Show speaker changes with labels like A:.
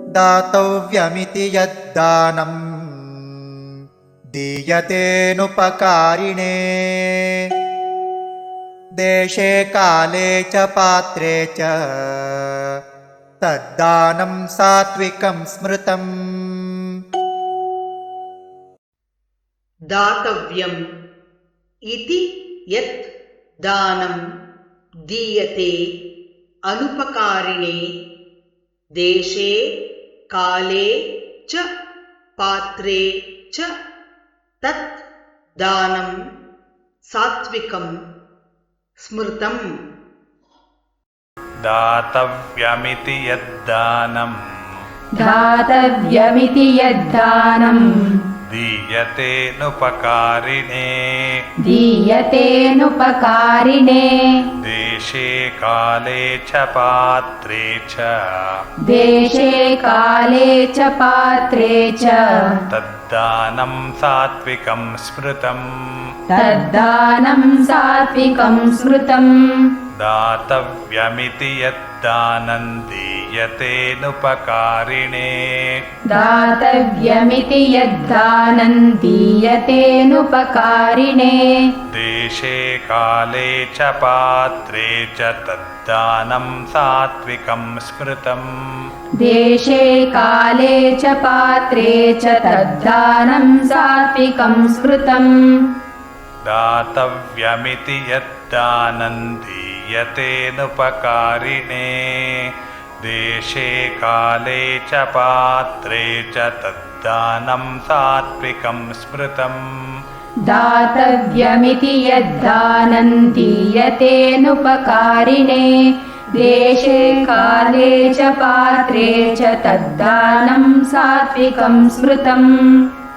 A: दातव्यमिति यद्दानं दीयतेनुपकारिणे देशे काले च पात्रे च तद्दानं सात्विकं स्मृतम्।
B: दातव्यम् इति यत् दानं दीयते अनुपकारिणे देशे काले च पात्रे च तत् दानं सात्विकं स्मृतम्।
C: दातव्यमिति यद्दानं दीयतेनुपकारिणे देशे काले च पात्रे च तद्दानं सात्विकं स्मृतम्। दातव्यमिति यद्दानं दीयतेनुपकारिणे देशे काले च पात्रे च तद्दानं सात्विकं स्मृतम्। दातव्यमिति यद्दानं दीयतेनुपकारिणे देशे काले च पात्रे च तद्दानं सात्विकं स्मृतम्।
D: दातव्यमिति यद्दानं दीयतेनुपकारिणे देशे काले च पात्रे च तद्दानं सात्विकं स्मृतम्।